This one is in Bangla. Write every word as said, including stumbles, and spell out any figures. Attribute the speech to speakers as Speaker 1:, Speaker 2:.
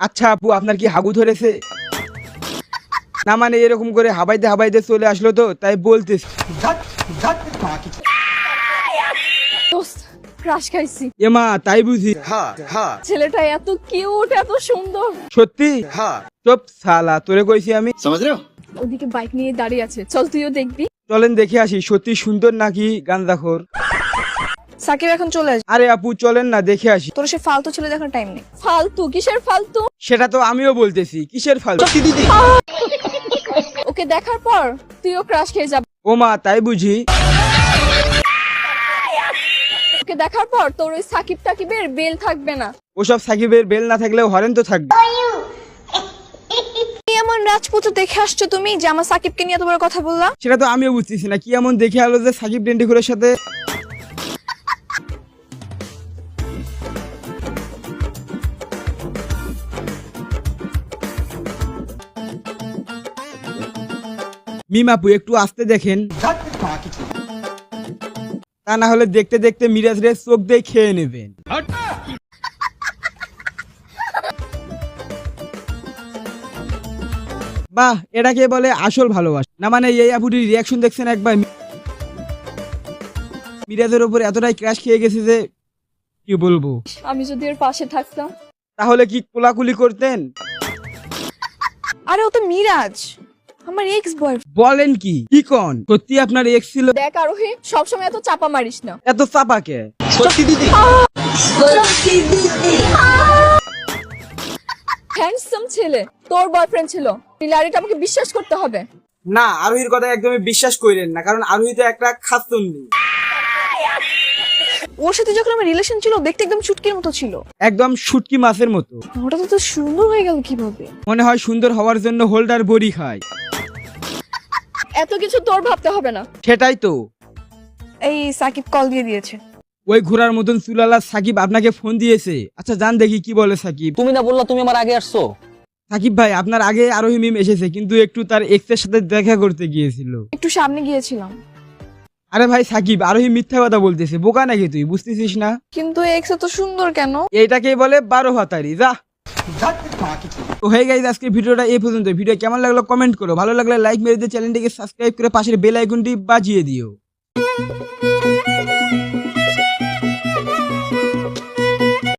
Speaker 1: আচ্ছা আপু, আপনার কি হাগু ধরেছে? না মানে এরকম করে হাবাইতে হাবাইতে চলে আসলো তো তাই বলতেছি।
Speaker 2: দোস্ত, ক্রাশ খাইছি।
Speaker 1: এমা তাই বুঝি?
Speaker 2: ছেলেটা এত কিউট, এত সুন্দর।
Speaker 1: সত্যি? চুপ শালা, তোরে কইছি আমি।
Speaker 2: ওদিকে বাইক নিয়ে দাঁড়িয়ে আছে, চল তুইও দেখবি।
Speaker 1: চলেন দেখে আসি সত্যি সুন্দর নাকি গাঁজাখোর।
Speaker 3: সাকিব এখন চলে আসবে।
Speaker 1: আরে আপু চলেন না দেখে আসি।
Speaker 3: তোর সে ফালতু ছেলে দেখার টাইম নেই।
Speaker 2: ফালতু? কিসের ফালতু?
Speaker 1: সেটা তো আমিও বলতেছি, কিসের ফালতু?
Speaker 2: ওকে দেখার পর তুইও ক্রাশ খেয়ে যাবি।
Speaker 1: ও মা তাই বুঝি?
Speaker 2: ওকে দেখার পর তোর ওই সাকিব টাকিবের বেল থাকবে না।
Speaker 1: ওসব সাকিবের বেল না থাকলেও হরেন তো থাকবে।
Speaker 3: কি এমন রাজপুত্র দেখে আসছো তুমি যে আমার সাকিবকে নিয়ে এত বড় কথা বললা?
Speaker 1: সেটা তো আমিও বুঝতেছি না, কি এমন দেখে আলো যে সাকিব ডেন্ডিখুরের সাথে। মিমাপু একটু আসতে দেখেন, তা না হলে দেখতে দেখতে মিরাজ রে চোখ দিয়ে খেয়ে নেবেন। বাহ, এটাকে বলে আসল ভালোবাসা। না মানে এই আপুটির রিয়াকশন দেখছেন একবার? মিরাজের উপর এতটাই ক্র্যাশ খেয়ে গেছে যে কি বলবো।
Speaker 2: আমি যদি ওর পাশে থাকতাম
Speaker 1: তাহলে কি কোলাকুলি করতেন?
Speaker 3: আরে ও তো মিরাজ, আমার এক্স বয়ফ্রেন্ড।
Speaker 1: বলেন কি? কি কোন? সত্যি আপনার এক্স ছিল?
Speaker 2: দেখ আরোহী, সবসময় এত চাপা মারিস না।
Speaker 1: এত চাপাকে?
Speaker 2: হ্যান্ডসাম ছেলে, তোর বয়ফ্রেন্ড ছিল। লারিটা আমাকে বিশ্বাস করতে হবে।
Speaker 1: না, আরোহীর কথা একদমই বিশ্বাস করেন না, কারণ আরোহী তো একটা খাসুন্নি।
Speaker 3: ওর সাথে যখন আমার রিলেশন ছিল দেখতে একদম চুটকির মতো ছিল,
Speaker 1: একদম শুটকি মাছের মতো।
Speaker 3: ওটা তো সুন্দর হয়ে গেল কিভাবে?
Speaker 1: মনে হয় সুন্দর হওয়ার জন্য হোল্ডার বড়ি খায়।
Speaker 2: এত কিছু তোর ভাবতে হবে না।
Speaker 1: সেটাই তো।
Speaker 3: এই সাকিব কল দিয়ে দিয়েছে।
Speaker 1: ওই ঘোড়ার মতন চুলালা সাকিব আপনাকে ফোন দিয়েছে? আচ্ছা জান দেখি কি বলে সাকিব।
Speaker 4: তুমি না বললা তুমি আমার আগে আসছো?
Speaker 1: সাকিব ভাই, আপনার আগে আরোহী মিম এসেছে, কিন্তু একটু তার এক্স এর সাথে দেখা করতে গিয়েছিল।
Speaker 3: একটু সামনে গিয়েছিলাম।
Speaker 1: আরে ভাই সাকিব, আরোহী মিথ্যা কথা বলতেছে, বোকা নাকি তুই? বুঝতেছিস না?
Speaker 3: কিন্তু এক্স এত সুন্দর কেন?
Speaker 1: এইটাকেই বলে বারো ভাতারি। যা। তো হয়ে গেছে আজকে ভিডিওটা এই পর্যন্ত। ভিডিও কেমন লাগলো কমেন্ট করো, ভালো লাগলে লাইক মেরে দিয়ে চ্যানেলটিকে সাবস্ক্রাইব করে পাশের বেল আইকনটি বাজিয়ে দিও।